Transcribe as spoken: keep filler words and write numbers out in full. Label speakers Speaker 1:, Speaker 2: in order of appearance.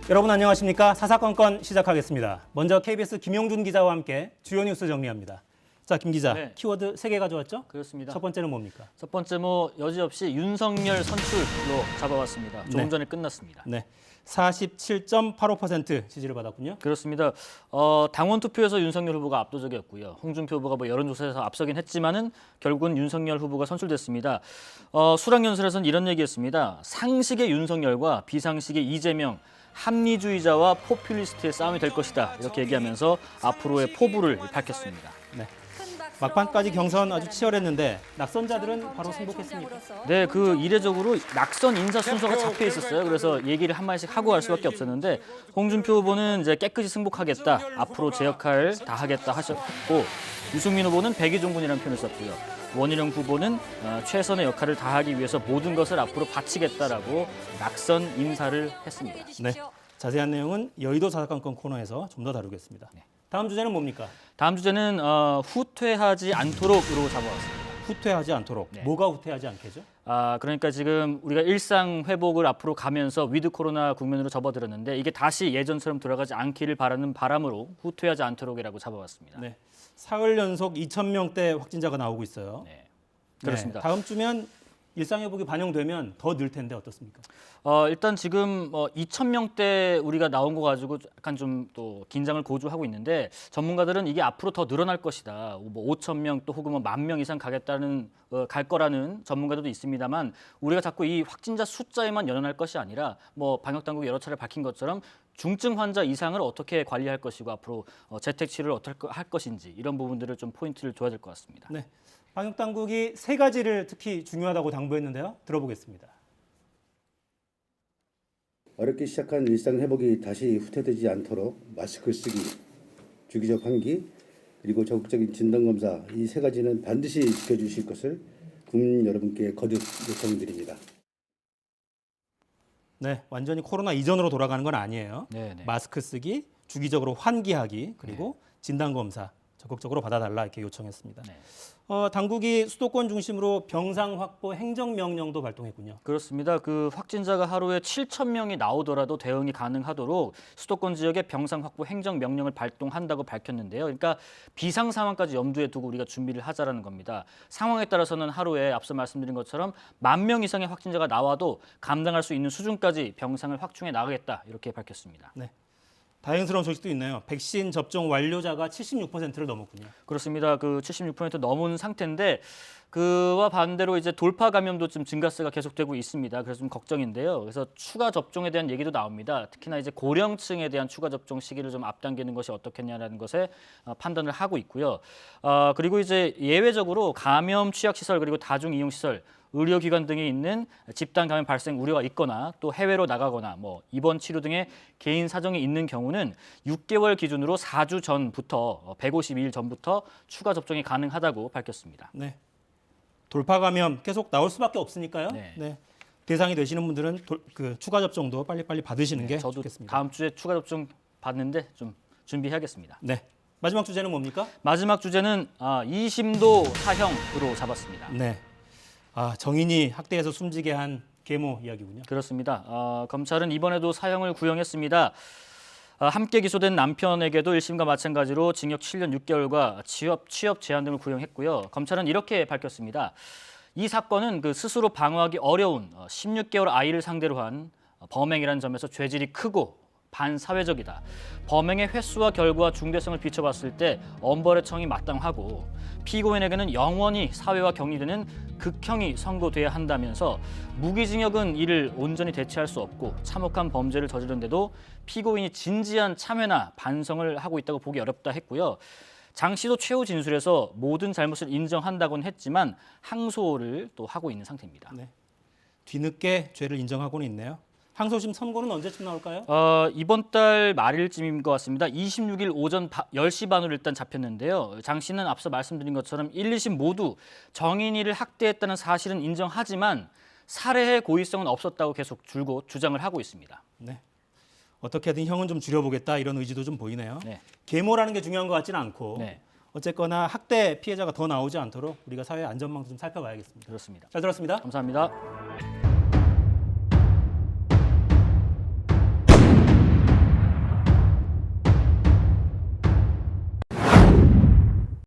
Speaker 1: 여러분 안녕하십니까? 사사건건 시작하겠습니다. 먼저 케이비에스 김용준 기자와 함께 주요 뉴스 정리합니다. 자, 김 기자,
Speaker 2: 네.
Speaker 1: 키워드 세 개 가져왔죠?
Speaker 2: 그렇습니다.
Speaker 1: 첫 번째는 뭡니까?
Speaker 2: 첫 번째 뭐 여지없이 윤석열 선출로 잡아왔습니다. 조금
Speaker 1: 네.
Speaker 2: 전에 끝났습니다.
Speaker 1: 네, 사십칠 점 팔오 퍼센트 지지를 받았군요.
Speaker 2: 그렇습니다. 어, 당원 투표에서 윤석열 후보가 압도적이었고요. 홍준표 후보가 뭐 여론조사에서 앞서긴 했지만은 결국은 윤석열 후보가 선출됐습니다. 어, 수락연설에서는 이런 얘기했습니다. 상식의 윤석열과 비상식의 이재명, 합리주의자와 포퓰리스트의 싸움이 될 것이다. 이렇게 얘기하면서 앞으로의 포부를 밝혔습니다.
Speaker 1: 네. 막판까지 경선 아주 치열했는데 낙선자들은 바로 승복했습니다.
Speaker 2: 네, 그 이례적으로 낙선 인사 순서가 잡혀 있었어요. 그래서 얘기를 한 마디씩 하고 갈 수밖에 없었는데 홍준표 후보는 이제 깨끗이 승복하겠다, 앞으로 제 역할 다 하겠다 하셨고, 유승민 후보는 백의종군이라는 표현을 썼고요. 원희룡 후보는 어, 최선의 역할을 다하기 위해서 모든 것을 앞으로 바치겠다라고 낙선 인사를 했습니다.
Speaker 1: 네, 자세한 내용은 여의도 사사건건 코너에서 좀 더 다루겠습니다.
Speaker 2: 네.
Speaker 1: 다음 주제는 뭡니까?
Speaker 2: 다음 주제는 어, 후퇴하지 않도록으로 잡아왔습니다.
Speaker 1: 후퇴하지 않도록.
Speaker 2: 네.
Speaker 1: 뭐가 후퇴하지 않게죠?
Speaker 2: 아, 그러니까 지금 우리가 일상 회복을 앞으로 가면서 위드 코로나 국면으로 접어들었는데 이게 다시 예전처럼 돌아가지 않기를 바라는 바람으로 후퇴하지 않도록이라고 잡아왔습니다.
Speaker 1: 네, 사흘 연속 이천 명대 확진자가 나오고 있어요.
Speaker 2: 네, 그렇습니다.
Speaker 1: 네, 다음 주면 일상 회복이 반영되면 더 늘 텐데 어떻습니까?
Speaker 2: 어, 일단 지금 어, 이천 명대 우리가 나온 거 가지고 약간 좀 또 긴장을 고조하고 있는데 전문가들은 이게 앞으로 더 늘어날 것이다. 뭐 오천 명 또 혹은 뭐 만 명 이상 가겠다는 어, 갈 거라는 전문가들도 있습니다만 우리가 자꾸 이 확진자 숫자에만 연연할 것이 아니라 뭐 방역 당국이 여러 차례 밝힌 것처럼 중증 환자 이상을 어떻게 관리할 것이고 앞으로 어, 재택 치료를 어떻게 할 것인지 이런 부분들을 좀 포인트를 줘야 될 것 같습니다.
Speaker 1: 네, 방역 당국이 세 가지를 특히 중요하다고 당부했는데요. 들어보겠습니다.
Speaker 3: 어렵게 시작한 일상 회복이 다시 후퇴되지 않도록 마스크 쓰기, 주기적 환기, 그리고 적극적인 진단검사 이 세 가지는 반드시 지켜주실 것을 국민 여러분께 거듭 요청드립니다.
Speaker 1: 네, 완전히 코로나 이전으로 돌아가는 건 아니에요.
Speaker 2: 네, 네.
Speaker 1: 마스크 쓰기, 주기적으로 환기하기, 그리고 진단검사 적극적으로 받아달라 이렇게 요청했습니다.
Speaker 2: 네.
Speaker 1: 어, 당국이 수도권 중심으로 병상 확보 행정명령도 발동했군요.
Speaker 2: 그렇습니다. 그 확진자가 하루에 칠천 명이 나오더라도 대응이 가능하도록 수도권 지역에 병상 확보 행정 명령을 발동한다고 밝혔는데요. 그러니까 비상 상황까지 염두에 두고 우리가 준비를 하자라는 겁니다. 상황에 따라서는 하루에 앞서 말씀드린 것처럼 만 명 이상의 확진자가 나와도 감당할 수 있는 수준까지 병상을 확충해 나가겠다 이렇게 밝혔습니다.
Speaker 1: 네. 다행스러운 소식도 있네요. 백신 접종 완료자가 칠십육 퍼센트를 넘었군요.
Speaker 2: 그렇습니다. 그 칠십육 퍼센트 넘은 상태인데 그와 반대로 이제 돌파 감염도 좀 증가세가 계속되고 있습니다. 그래서 좀 걱정인데요. 그래서 추가 접종에 대한 얘기도 나옵니다. 특히나 이제 고령층에 대한 추가 접종 시기를 좀 앞당기는 것이 어떻겠냐라는 것에 판단을 하고 있고요. 어, 그리고 이제 예외적으로 감염 취약 시설 그리고 다중 이용 시설 의료기관 등에 있는 집단 감염 발생 우려가 있거나 또 해외로 나가거나 뭐 입원 치료 등의 개인 사정이 있는 경우는 육 개월 기준으로 사 주 전부터 백오십이 일 전부터 추가 접종이 가능하다고 밝혔습니다.
Speaker 1: 네. 돌파 감염 계속 나올 수밖에 없으니까요.
Speaker 2: 네.
Speaker 1: 네. 대상이 되시는 분들은 돌, 그 추가 접종도 빨리빨리 받으시는 게
Speaker 2: 저도
Speaker 1: 좋겠습니다.
Speaker 2: 다음 주에 추가 접종 받는데 좀 준비해야겠습니다.
Speaker 1: 네. 마지막 주제는 뭡니까?
Speaker 2: 마지막 주제는 아, 이심도 사형으로 잡았습니다.
Speaker 1: 네. 아, 정인이 학대해서 숨지게 한 계모 이야기군요.
Speaker 2: 그렇습니다. 어, 검찰은 이번에도 사형을 구형했습니다. 어, 함께 기소된 남편에게도 일 심과 마찬가지로 징역 칠 년 육 개월과 취업, 취업 제한 등을 구형했고요. 검찰은 이렇게 밝혔습니다. 이 사건은 그 스스로 방어하기 어려운 어, 십육 개월 아이를 상대로 한 범행이라는 점에서 죄질이 크고 반사회적이다. 범행의 횟수와 결과 중대성을 비춰봤을 때 엄벌의 청이 마땅하고 피고인에게는 영원히 사회와 격리되는 극형이 선고돼야 한다면서 무기징역은 이를 온전히 대체할 수 없고 참혹한 범죄를 저지른데도 피고인이 진지한 참회나 반성을 하고 있다고 보기 어렵다 했고요. 장 씨도 최후 진술에서 모든 잘못을 인정한다고는 했지만 항소를 또 하고 있는 상태입니다.
Speaker 1: 네. 뒤늦게 죄를 인정하고는 있네요. 항소심 선고는 언제쯤 나올까요?
Speaker 2: 어, 이번 달 말일쯤인 것 같습니다. 이십육 일 오전 열 시 반으로 일단 잡혔는데요. 장 씨는 앞서 말씀드린 것처럼 일, 이 심 모두 정인이를 학대했다는 사실은 인정하지만 살해의 고의성은 없었다고 계속 줄곧 주장을 하고 있습니다.
Speaker 1: 네. 어떻게든 형은 좀 줄여보겠다 이런 의지도 좀 보이네요.
Speaker 2: 네.
Speaker 1: 계모라는 게 중요한 것 같지는 않고
Speaker 2: 네.
Speaker 1: 어쨌거나 학대 피해자가 더 나오지 않도록 우리가 사회 안전망도 좀 살펴봐야겠습니다.
Speaker 2: 그렇습니다.
Speaker 1: 잘 들었습니다.
Speaker 2: 감사합니다.